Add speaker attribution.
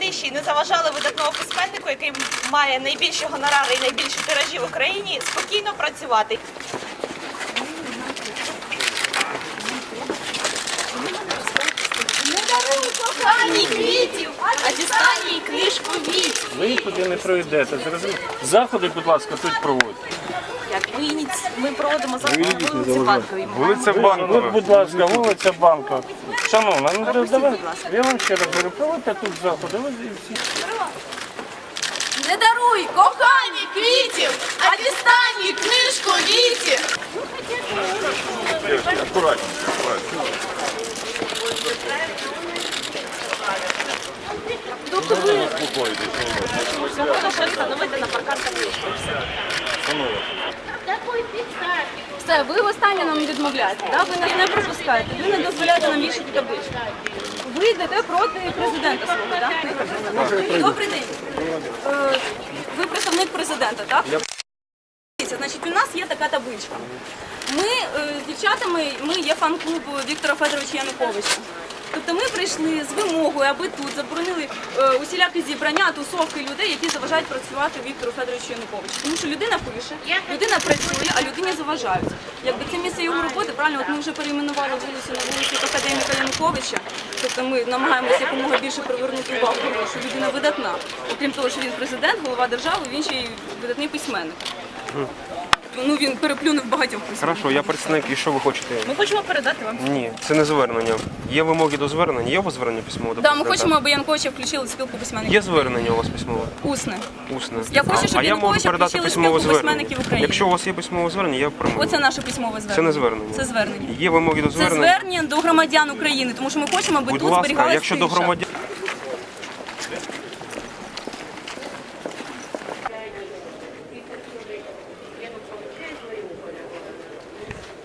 Speaker 1: тиші і не заважали видатному письменнику, який має найбільші гонорари і найбільші тиражі в Україні, спокійно працювати. Не даруй коханій квітів, а дістань їй книжку віць.
Speaker 2: Ви туди не пройдете, зрозуміло. Заходи, будь ласка, тут проводьте.
Speaker 1: Як ми проводимо заходи на вулиці Банковій.
Speaker 3: Вулиця Банкова.
Speaker 2: От, будь ласка, вулиця Банкова. Шановна, ну давай, я вам ще раз говорю, проводьте тут заходи, ви всі.
Speaker 1: Не даруй коханій квітів, а дістань їй книжку віці.
Speaker 3: Аккуратно.
Speaker 1: Тобто ви можете встановити на паркан табличку.
Speaker 4: Все, ви востаннє нам відмовляєте, да? Ви нас не пропускаєте, ви не дозволяєте нам вішати табличку. Ви йдете проти президента свого, так? Добрий день. Ви представник президента, так? Значить, у нас є така табличка. Ми з дівчатами, ми є фан-клуб Віктора Федоровича Януковича. Тобто ми прийшли з вимогою, аби тут заборонили усілякі зібрання, тусовки людей, які заважають працювати Віктору Федоровичу Януковичу. Тому що людина пише, людина працює, а людині заважають. Якби це місце його роботи, правильно, от ми вже перейменували вулицю на вулицю академіка Януковича. Тобто ми намагаємося якомога більше привернути увагу, що людина видатна. Окрім того, що він президент, голова держави, він ще й видатний письменник. Ну, він переплюнув багатьох письменників.
Speaker 3: Хорошо, я представник, і що ви хочете?
Speaker 1: Ми хочемо передати вам.
Speaker 3: Ні, це не звернення. Є вимоги до звернення? Є у вас звернення письмове до
Speaker 4: Так, ми
Speaker 3: президента?
Speaker 4: хочемо, аби Януковича включили в спілку письменників.
Speaker 3: Є звернення у вас письмове?
Speaker 4: Усне.
Speaker 3: Усне.
Speaker 4: Я хочу, щоб
Speaker 3: А я можу
Speaker 4: Януковича
Speaker 3: передати
Speaker 4: включили в
Speaker 3: письмове
Speaker 4: спілку
Speaker 3: звернення.
Speaker 4: письменників України.
Speaker 3: Якщо у вас є письмове звернення, я прийму.
Speaker 4: Оце наше письмове звернення.
Speaker 3: Це не звернення.
Speaker 4: Це звернення.
Speaker 3: Є вимоги до
Speaker 4: Це
Speaker 3: звернення?
Speaker 4: звернення до громадян України, тому що ми хочемо, аби
Speaker 3: Будь
Speaker 4: тут
Speaker 3: ласка,
Speaker 4: зберігалась
Speaker 3: якщо до
Speaker 4: тиша.
Speaker 3: громадян...